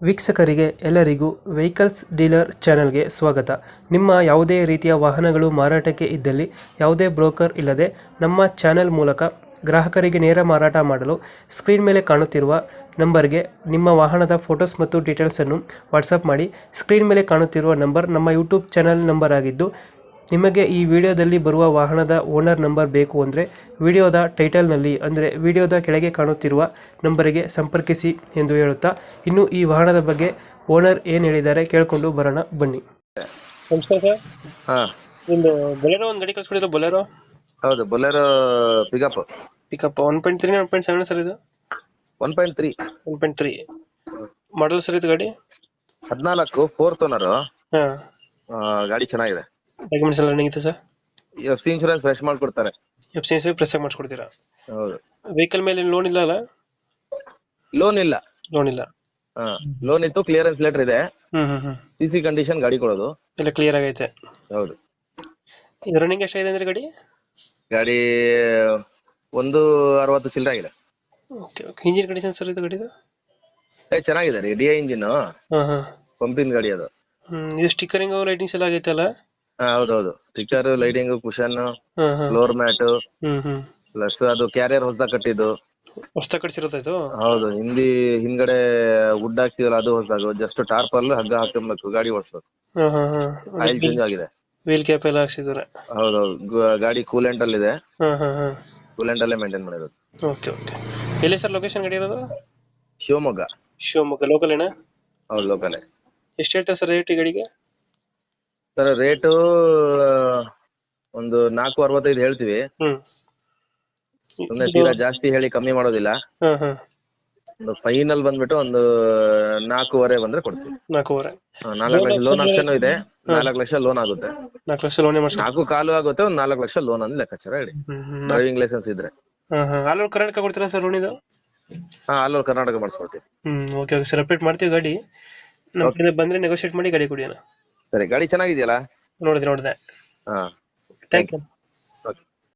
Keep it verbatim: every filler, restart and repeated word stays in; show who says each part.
Speaker 1: ವೀಕ್ಷಕರಿಗೆ ಎಲ್ಲರಿಗೂ vehicles dealer ಚಾನೆಲ್ಗೆ ಸ್ವಾಗತ. ನಿಮ್ಮ ಯಾವುದೇ ರೀತಿಯ ವಾಹನಗಳು ಮಾರಾಟಕ್ಕೆ ಇದ್ದಲ್ಲಿ ಯಾವುದೇ ಬ್ರೋಕರ್ ಇಲ್ಲದೆ ನಮ್ಮ ಚಾನೆಲ್ ಮೂಲಕ ಗ್ರಾಹಕರಿಗೆ ನೇರ ಮಾರಾಟ ಮಾಡಲು ಸ್ಕ್ರೀನ್ ಮೇಲೆ ಕಾಣುತ್ತಿರುವ ನಂಬರ್ಗೆ ನಿಮ್ಮ ವಾಹನದ ಫೋಟೋಸ್ ಮತ್ತು ಡೀಟೇಲ್ಸನ್ನು ವಾಟ್ಸಪ್ ಮಾಡಿ. ಸ್ಕ್ರೀನ್ ಮೇಲೆ ಕಾಣುತ್ತಿರುವ ನಂಬರ್ ನಮ್ಮ ಯೂಟ್ಯೂಬ್ ಚಾನೆಲ್ ನಂಬರ್ ಆಗಿದ್ದು, ನಿಮಗೆ ಈ ವಿಡಿಯೋದಲ್ಲಿ ಬರುವ ವಾಹನದ ಓನರ್ ನಂಬರ್ ಬೇಕು ಅಂದರೆ ವಿಡಿಯೋದ ಟೈಟಲ್ನಲ್ಲಿ ಅಂದರೆ ವಿಡಿಯೋದ ಕೆಳಗೆ ಕಾಣುತ್ತಿರುವ ನಂಬರಿಗೆ ಸಂಪರ್ಕಿಸಿ ಎಂದು ಹೇಳುತ್ತಾ, ಇನ್ನು ಈ ವಾಹನದ ಬಗ್ಗೆ ಓನರ್ ಏನು ಹೇಳಿದ್ದಾರೆ ಕೇಳಿಕೊಂಡು ಬರೋಣ ಬನ್ನಿ. ನಮಸ್ಕಾರ ಸರ್.
Speaker 2: ಹಾ
Speaker 1: ನಿಮ್ಮದು ಬೊಲೆರೋ ಒಂದು ಗಾಡಿ ಕಳಿಸ್ಕೊಡಿದ್ರು. ಬೊಲೆರೋ
Speaker 2: ಹೌದು, Bolero pickup
Speaker 1: pickup one point three one point seven sir ಇದು?
Speaker 2: One point three
Speaker 1: one point three model sir ಇದು ಗಾಡಿ?
Speaker 2: ಹದಿನಾಲ್ಕು ಫೋರ್ತ್ ಓನರ್.
Speaker 1: ಹಾಂ,
Speaker 2: ಗಾಡಿ ಚೆನ್ನಾಗಿದೆ.
Speaker 1: ಡಾಕ್ಯುಮೆಂಟ್ಸ್ ಎಲ್ಲ ರನ್ನಿಂಗ್ ಇದೆ sir?
Speaker 2: F C insurance fresh ಮಾಡ್ಕೊಡ್ತಾರೆ.
Speaker 1: ಎಫ್ ಸಿ ಎಸ್ ಪ್ರೆಸ್ ಮಾಡಿಸ್ಕೊಡ್ತೀರಾ?
Speaker 2: ಹೌದು.
Speaker 1: ವೆಹಿಕಲ್ ಮೇಲೆ ಲೋನ್ ಇಲ್ಲ ಅಲ್ಲ?
Speaker 2: ಲೋನ್ ಇಲ್ಲ.
Speaker 1: ಲೋನ್ ಇಲ್ಲ.
Speaker 2: ಹಾ, ಲೋನ್ ಇತ್ತು, ಕ್ಲಿಯರೆನ್ಸ್ ಲೆಟರ್ ಇದೆ.
Speaker 1: ಹ್ಮ್ ಹ್ಮ್ ಹ್ಮ್
Speaker 2: ಸಿ ಸಿ ಕಂಡೀಷನ್ ಗಾಡಿ ಕೊಡೋದು
Speaker 1: ಎಲ್ಲ ಕ್ಲಿಯರ್ ಆಗೈತೆ.
Speaker 2: ಹೌದು.
Speaker 1: ಇದು ರನ್ನಿಂಗ್ ಎಷ್ಟಾಗಿದೆ ಅಂದ್ರೆ ಗಾಡಿ?
Speaker 2: ಗಾಡಿ ಒಂದು ಅರವತ್ತು ಚಿಲ್ಲರೆ ಆಗಿದೆ.
Speaker 1: Okay okay. Engine condition sir ಇದು ಗಾಡಿದು?
Speaker 2: ಏ ಚೆನ್ನಾಗಿದೆ ರೀ, ಡಿ ಐ ಇಂಜಿನ್,
Speaker 1: ಹಾಂ ಹಾಂ.
Speaker 2: ಪಂಪಿನ ಗಾಡಿ ಅದು.
Speaker 1: ಹ್ಮ್, ಇದು ಸ್ಟಿಕ್ಕರಿಂಗ್ ಲೈಟಿಂಗ್ಸ್ ಎಲ್ಲ ಆಗೈತೆ ಅಲ್ಲ?
Speaker 2: ಹಾ ಹೌದೌದು, ಸ್ಟಿಕ್ಕರ್, ಲೈಟಿಂಗ್, ಕುಶನ್,
Speaker 1: ಹಾಂ ಹಾಂ.
Speaker 2: ಫ್ಲೋರ್ ಮ್ಯಾಟ್,
Speaker 1: ಹ್ಮ್ ಹ್ಮ್
Speaker 2: ಪ್ಲಸ್ ಅದು ಕ್ಯಾರಿಯರ್ ಹೊಸದಾಗ ಕಟ್ಟಿದ್ದು.
Speaker 1: ಹೊಸ್ದಾಗಿ ಕಟ್ಸಿರೋದು ಇದು?
Speaker 2: ಹೌದು, ಹಿಂದಿ ಹಿಂದ್ಗಡೆ ವುಡ್ ಹಾಕ್ತಿವಲ್ಲ ಅದು ಹೊಸದಾಗ, ಜಸ್ಟ್ ಟಾರ್ಪಲ್ ಹಗ್ಗ ಹಾಕಬೇಕು, ಗಾಡಿ ಓಡಿಸ್ಬೇಕು.
Speaker 1: ಹಾಂ ಹಾಂ ಹಾಂ.
Speaker 2: ಆಯಿಲ್ ಚೇಂಜ್ ಆಗಿದೆ.
Speaker 1: ವೀಲ್ ಕ್ಯಾಪ್ ಎಲ್ಲ ಹಾಕ್ಸಿದ್ದಾರೆ?
Speaker 2: ಹೌದೌದು, ಗ- ಗಾಡಿ ಕೂಲೆಂಟ್ ಅಲ್ಲಿ ಇದೆ.
Speaker 1: ಹಾಂ ಹಾಂ ಹಾಂ.
Speaker 2: ಕೂಲೆಂಟ್ ಅಲ್ಲೇ ಮೇಂಟೈನ್ ಮಾಡಿರೋದು.
Speaker 1: Okay okay. ಎಲ್ಲಿ ಸರ್ ಲೊಕೇಶನ್ ಗಾಡಿ ಇರೋದು?
Speaker 2: ಶಿವಮೊಗ್ಗ.
Speaker 1: ಶಿವಮೊಗ್ಗ ಲೋಕಲ್ ಏನಾ?
Speaker 2: ಹೌದು, ಲೋಕಲೇ.
Speaker 1: ಎಷ್ಟು ಹೇಳ್ತಾರೆ ಸರ್ ರೇಟ್ ಈ ಗಾಡಿಗೆ?
Speaker 2: ಸರ್ ರೇಟು ಒಂದು ನಾಲ್ಕು ಅರವತ್ತೈದು ಹೇಳ್ತೀವಿ.
Speaker 1: ಹ್ಮ್.
Speaker 2: ಸುಮ್ಮನೆ ತೀರಾ ಜಾಸ್ತಿ ಹೇಳಿ ಕಮ್ಮಿ ಮಾಡೋದಿಲ್ಲ.
Speaker 1: ಹಾಂ ಹಾಂ.
Speaker 2: ಒಂದು ಫೈನಲ್ ಬಂದ್ಬಿಟ್ಟು ಒಂದು ನಾಲ್ಕೂವರೆ ಬಂದ್ರೆ ಕೊಡ್ತೀವಿ.
Speaker 1: ನಾಲ್ಕೂವರೆ?
Speaker 2: ಹಾ, ನಾಲ್ಕು ಲಕ್ಷ ಲೋನ್ ಆಪ್ಷನ್ ಇದೆ. ನಾಲ್ಕು ಲಕ್ಷ ಲೋನ್ ಆಗುತ್ತೆ.
Speaker 1: ನಾಲ್ಕು ಲಕ್ಷ ಲೋನೇ ಮಾಡಿಸ್ಕೊ.
Speaker 2: ನಾಲ್ಕು ಕಾಲು ಆಗುತ್ತೆ, ಒಂದು ನಾಲ್ಕು ಲಕ್ಷ ಲೋನ್ ಅಂದ್ರೆ ಲೆಕ್ಕಾಚಾರ ಹೇಳಿ. ಡ್ರೈವಿಂಗ್ ಲೈಸೆನ್ಸ್ ಇದ್ರೆ.
Speaker 1: ಹಾಂ ಹಾಂ. ಆಲ್ ಓವರ್ ಕರ್ನಾಟಕ ಕೊಡ್ತೀರಾ ಸರ್ ಲೋನ್ ಇದು?
Speaker 2: ಹಾ, ಆಲ್ ಓವರ್ ಕರ್ನಾಟಕ ಮಾಡಿಸ್ಕೊಡ್ತೀವಿ.
Speaker 1: ಹ್ಮ್, ಓಕೆ ಓಕೆ ಸರ್. ಅಪ್ಡೇಟ್ ಮಾಡ್ತೀವಿ ಗಾಡಿ. ನಮ್ಮ ಕಡೆ ಬಂದರೆ ನೆಗೋಷಿಯೇಟ್ ಮಾಡಿ ಗಾಡಿ ಕೊಡಿ ಅಣ್ಣ.
Speaker 2: ಸರಿ, ಗಾಡಿ ಚೆನ್ನಾಗಿದೆಯಲ್ಲ?
Speaker 1: ನೋಡಿದೆ ನೋಡಿದೆ.
Speaker 2: ಹಾ,
Speaker 1: ಥ್ಯಾಂಕ್ ಯು.